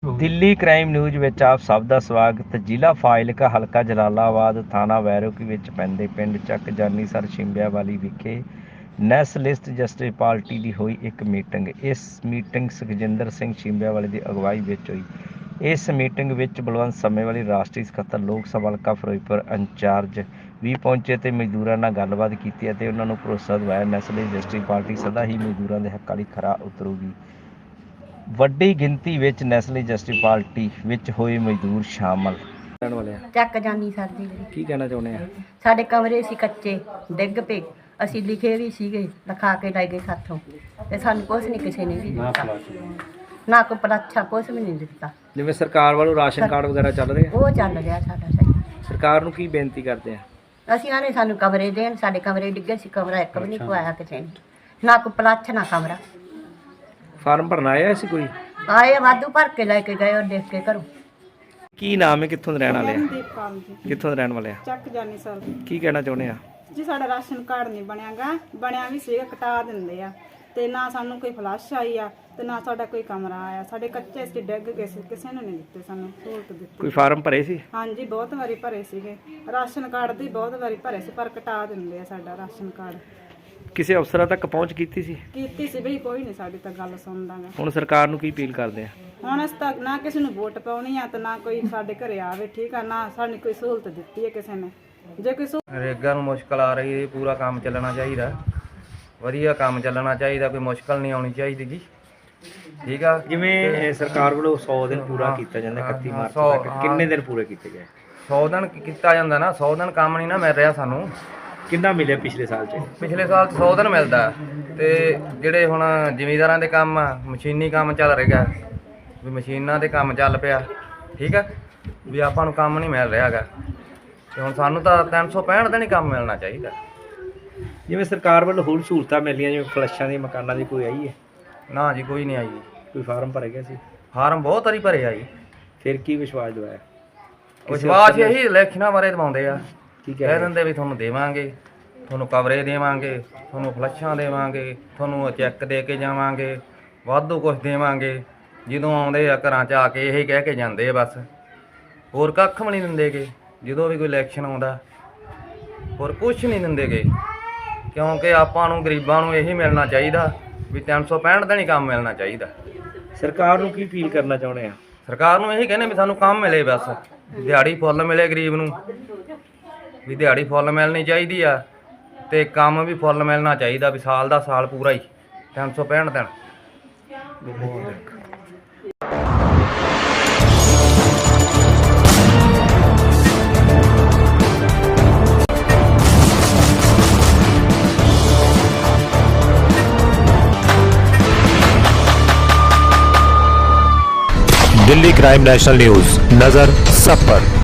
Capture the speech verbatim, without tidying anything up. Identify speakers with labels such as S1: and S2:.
S1: Delhi crime news ਵਿੱਚ ਆਪ ਸਭ ਦਾ ਸਵਾਗਤ। ਜ਼ਿਲ੍ਹਾ ਫਾਜ਼ਿਲਕਾ, ਹਲਕਾ ਜਲਾਲਾਬਾਦ, ਥਾਣਾ ਵੈਰੋਕੀ ਵਿੱਚ ਪੈਂਦੇ ਪਿੰਡ ਚੱਕ ਜਾਨੀਸਰ ਛਿੰਬਿਆਵਾਲੀ ਵਿਖੇ ਨੈਸ਼ਨਲਿਸਟ ਜਸਟਿਸ ਪਾਰਟੀ ਦੀ ਹੋਈ ਇੱਕ ਮੀਟਿੰਗ। ਇਸ ਮੀਟਿੰਗ ਸੁਖਜਿੰਦਰ ਸਿੰਘ ਛਿੰਬਿਆਵਾਲੀ ਦੀ ਅਗਵਾਈ ਵਿੱਚ ਹੋਈ। ਇਸ ਮੀਟਿੰਗ ਵਿੱਚ ਬਲਵੰਤ ਸਮੇਵਾਲੀ, ਰਾਸ਼ਟਰੀ ਸਕੱਤਰ, ਲੋਕ ਸਭਾ ਹਲਕਾ ਫਿਰੋਜ਼ਪੁਰ ਇੰਚਾਰਜ ਵੀ ਪਹੁੰਚੇ ਅਤੇ ਮਜ਼ਦੂਰਾਂ ਨਾਲ ਗੱਲਬਾਤ ਕੀਤੀ ਅਤੇ ਉਹਨਾਂ ਨੂੰ ਭਰੋਸਾ ਦਿਵਾਇਆ ਨੈਸ਼ਨਲਿਸਟ ਜਸਟਿਸ ਪਾਰਟੀ ਸਦਾ ਹੀ ਮਜ਼ਦੂਰਾਂ ਦੇ ਹੱਕਾਂ ਲਈ ਖਰਾ ਉਤਰੂਗੀ। ਵੱਡੀ ਗਿਣਤੀ ਵਿੱਚ ਨੈਸ਼ਨਲਿਸਟ ਜਸਟਿਸ ਪਾਰਟੀ ਵਿੱਚ ਹੋਏ ਮਜ਼ਦੂਰ ਸ਼ਾਮਲ। ਰਹਿਣ ਵਾਲੇ ਆ
S2: ਚੱਕ ਜਾਨੀ ਸਰ ਦੀ
S1: ਕੀ ਕਹਿਣਾ ਚਾਹੁੰਦੇ ਆ?
S2: ਸਾਡੇ ਕਮਰੇ ਸੀ ਕੱਚੇ, ਡਿੱਗ ਪਏ। ਅਸੀਂ ਲਿਖੇ ਵੀ ਸੀਗੇ, ਲਿਖਾ ਕੇ ਲੈ ਗਏ ਸਾਥੋਂ, ਤੇ ਸਾਨੂੰ ਕੁਛ ਨਹੀਂ ਕਿਸੇ ਨੇ ਵੀ ਦਿੱਤਾ, ਨਾ ਕੋਈ ਪਲਾਛਾ ਕੁਛ ਵੀ ਨਹੀਂ ਦਿੱਤਾ।
S1: ਜਿਵੇਂ ਸਰਕਾਰ ਵੱਲੋਂ ਰਾਸ਼ਨ ਕਾਰਡ ਵਗੈਰਾ ਚੱਲ ਰਹੇ ਆ,
S2: ਉਹ ਚੱਲ ਰਿਹਾ ਸਾਡਾ ਸਹੀ।
S1: ਸਰਕਾਰ ਨੂੰ ਕੀ ਬੇਨਤੀ ਕਰਦੇ ਆ?
S2: ਅਸੀਂ ਆਨੇ ਸਾਨੂੰ ਕਮਰੇ ਦੇਣ। ਸਾਡੇ ਕਮਰੇ ਡਿੱਗੇ ਸੀ, ਕਮਰਾ ਇੱਕ ਵੀ ਨਹੀਂ ਪਵਾਇਆ ਕਿਸੇ ਨੇ, ਨਾ ਕੋਈ ਪਲਾਛ ਨਾ ਕਮਰਾ।
S1: ਫਾਰਮ ਭਰਨਾ ਆਇਆ ਸੀ ਕੋਈ?
S2: ਆਏ ਵਾਧੂ ਭਰ ਕੇ ਲੈ ਕੇ ਗਏ ਔਰ ਦੇਖ ਕੇ ਘਰੋਂ।
S1: ਕੀ ਨਾਮ ਹੈ, ਕਿੱਥੋਂ ਦੇ ਰਹਿਣ ਵਾਲੇ ਆ?
S3: ਦੀਪਕਾਲ ਜੀ,
S1: ਕਿੱਥੋਂ ਦੇ ਰਹਿਣ ਵਾਲੇ ਆ?
S3: ਚੱਕ ਜਾਨੀ ਸਰ
S1: ਕੀ ਕਹਿਣਾ ਚਾਹੁੰਦੇ ਆ?
S3: ਜੀ ਸਾਡਾ ਰਾਸ਼ਨ ਕਾਰਡ ਨਹੀਂ ਬਣਿਆਗਾ, ਬਣਿਆ ਵੀ ਸੀਗਾ, ਕਟਾ ਦਿੰਦੇ ਆ, ਤੇ ਨਾ ਸਾਨੂੰ ਕੋਈ ਫਲਸ਼ ਆਈ ਆ ਤੇ ਨਾ ਸਾਡਾ ਕੋਈ ਕਮਰਾ ਆਇਆ। ਸਾਡੇ ਕੱਚੇ ਸੀ, ਡਿੱਗ ਗਏ ਸੀ, ਕਿਸੇ ਨੇ ਨਹੀਂ ਦਿੱਤੇ ਸਾਨੂੰ ਸਹੂਲਤ ਦਿੱਤੀ।
S1: ਕੋਈ ਫਾਰਮ ਭਰੇ ਸੀ?
S3: ਹਾਂਜੀ ਬਹੁਤ ਵਾਰੀ ਭਰੇ ਸੀਗੇ, ਰਾਸ਼ਨ ਕਾਰਡ ਦੀ ਬਹੁਤ ਵਾਰੀ ਭਰੇ ਸੀ, ਪਰ ਕਟਾ ਦਿੰਦੇ ਆ ਸਾਡਾ ਰਾਸ਼ਨ ਕਾਰਡ।
S1: ਕਿਸੇ ਅਫਸਰਾਂ ਤੱਕ ਪਹੁੰਚ ਕੀਤੀ ਸੀ?
S3: ਕੀਤੀ ਸੀ ਬਈ, ਕੋਈ ਨਹੀਂ ਸਾਡੀ ਤਾਂ ਗੱਲ ਸੁਣਦਾ ਗਾ।
S1: ਹੁਣ ਸਰਕਾਰ ਨੂੰ ਕੀ ਅਪੀਲ ਕਰਦੇ ਆ?
S3: ਹੁਣ ਅਸੀਂ ਤਾਂ ਨਾ ਕਿਸੇ ਨੂੰ ਵੋਟ ਪਾਉਣੀ ਆ ਤੇ ਨਾ ਕੋਈ ਸਾਡੇ ਘਰੇ ਆਵੇ, ਠੀਕ ਆ, ਨਾ ਸਾਨੂੰ ਕੋਈ ਸਹੂਲਤ ਦਿੱਤੀ ਹੈ ਕਿਸੇ ਨੇ। ਜੇ ਕੋਈ
S4: ਨਰੇਗਾ ਨੂੰ ਮੁਸ਼ਕਲ ਆ ਰਹੀ ਹੈ, ਪੂਰਾ ਕੰਮ ਚੱਲਣਾ ਚਾਹੀਦਾ, ਵਧੀਆ ਕੰਮ ਚੱਲਣਾ ਚਾਹੀਦਾ, ਕੋਈ ਮੁਸ਼ਕਲ ਨਹੀਂ ਆਉਣੀ ਚਾਹੀਦੀ ਜੀ, ਠੀਕ ਆ।
S1: ਜਿਵੇਂ ਸਰਕਾਰ ਵੱਲੋਂ ਸੌ ਦਿਨ ਪੂਰਾ ਕੀਤਾ ਜਾਂਦਾ ਇਕੱਤੀ ਮਾਰਚ ਤੱਕ, ਕਿੰਨੇ ਦਿਨ ਪੂਰੇ ਕੀਤੇ ਗਏ?
S4: ਸੌ ਦਿਨ ਕੀ- ਕੀਤਾ ਜਾਂਦਾ ਨਾ, ਸੌ ਦਿਨ ਕੰਮ ਨਹੀਂ ਨਾ ਮਿਲ ਰਿਹਾ ਸਾਨੂੰ।
S1: ਕਿੰਨਾ ਮਿਲਿਆ ਪਿਛਲੇ ਸਾਲ 'ਚ?
S4: ਪਿਛਲੇ ਸਾਲ 'ਚ ਸੌ ਦਿਨ ਮਿਲਦਾ, ਤੇ ਜਿਹੜੇ ਹੁਣ ਜ਼ਿਮੀਂਦਾਰਾਂ ਦੇ ਕੰਮ ਆ, ਮਸ਼ੀਨੀ ਕੰਮ ਚੱਲ ਰਿਹਾ, ਵੀ ਮਸ਼ੀਨਾਂ ਦੇ ਕੰਮ ਚੱਲ ਪਿਆ, ਠੀਕ ਆ, ਵੀ ਆਪਾਂ ਨੂੰ ਕੰਮ ਨਹੀਂ ਮਿਲ ਰਿਹਾ ਹੈਗਾ, ਤੇ ਹੁਣ ਸਾਨੂੰ ਤਾਂ ਤਿੰਨ ਸੌ ਪੈਂਹਠ ਦਿਨ ਹੀ ਕੰਮ ਮਿਲਣਾ ਚਾਹੀਦਾ।
S1: ਜਿਵੇਂ ਸਰਕਾਰ ਵੱਲੋਂ ਹੋਰ ਸਹੂਲਤਾਂ ਮਿਲੀਆਂ, ਜਿਵੇਂ ਫਲੱਸ਼ਾਂ ਦੀ, ਮਕਾਨਾਂ ਦੀ, ਕੋਈ ਆਈ ਹੈ?
S4: ਨਾ ਜੀ, ਕੋਈ ਨਹੀਂ ਆਈ ਜੀ।
S1: ਕੋਈ ਫਾਰਮ ਭਰੇ ਗਿਆ ਸੀ?
S4: ਫਾਰਮ ਬਹੁਤ ਵਾਰੀ ਭਰੇ ਆ ਜੀ।
S1: ਫਿਰ ਕੀ ਵਿਸ਼ਵਾਸ ਦਿਵਾਇਆ?
S4: ਵਿਸ਼ਵਾਸ ਇਹੀ ਇਲੈਕਸ਼ਨਾਂ ਬਾਰੇ ਦਿਵਾਉਂਦੇ ਆ,
S1: ਕੀ
S4: ਕਹਿ
S1: ਕਹਿ
S4: ਦਿੰਦੇ ਵੀ ਤੁਹਾਨੂੰ ਦੇਵਾਂਗੇ, ਤੁਹਾਨੂੰ ਕਵਰੇ ਦੇਵਾਂਗੇ, ਤੁਹਾਨੂੰ ਫਲੱਸ਼ਾਂ ਦੇਵਾਂਗੇ, ਤੁਹਾਨੂੰ ਚੈੱਕ ਦੇ ਕੇ ਜਾਵਾਂਗੇ, ਵਾਧੂ ਕੁਛ ਦੇਵਾਂਗੇ। ਜਦੋਂ ਆਉਂਦੇ ਆ ਘਰਾਂ 'ਚ ਆ ਕੇ ਇਹੀ ਕਹਿ ਕੇ ਜਾਂਦੇ ਆ ਬਸ, ਹੋਰ ਕੱਖ ਵੀ ਨਹੀਂ ਦਿੰਦੇਗੇ। ਜਦੋਂ ਵੀ ਕੋਈ ਇਲੈਕਸ਼ਨ ਆਉਂਦਾ ਹੋਰ ਕੁਛ ਨਹੀਂ ਦਿੰਦੇਗੇ, ਕਿਉਂਕਿ ਆਪਾਂ ਨੂੰ ਗਰੀਬਾਂ ਨੂੰ ਇਹੀ ਮਿਲਣਾ ਚਾਹੀਦਾ ਵੀ ਤਿੰਨ ਸੌ ਪੈਂਹਠ ਦਿਨ ਹੀ ਕੰਮ ਮਿਲਣਾ ਚਾਹੀਦਾ।
S1: ਸਰਕਾਰ ਨੂੰ ਕੀ ਅਪੀਲ ਕਰਨਾ ਚਾਹੁੰਦੇ ਆ?
S4: ਸਰਕਾਰ ਨੂੰ ਇਹੀ ਕਹਿੰਦੇ ਵੀ ਸਾਨੂੰ ਕੰਮ ਮਿਲੇ, ਬਸ ਦਿਹਾੜੀ ਫੁੱਲ ਮਿਲੇ ਗਰੀਬ ਨੂੰ, ਵੀ ਦਿਹਾੜੀ ਫੁੱਲ ਮਿਲਣੀ ਚਾਹੀਦੀ ਆ, ਤੇ ਕੰਮ ਵੀ ਫੁੱਲ ਮਿਲਣਾ ਚਾਹੀਦਾ, ਵੀ ਸਾਲ ਦਾ ਸਾਲ ਪੂਰਾ ਹੀ ਤਿੰਨ ਸੌ ਪੈਂਹਠ ਦਿਨ।
S5: दिल्ली क्राइम नेशनल न्यूज, नजर सब पर।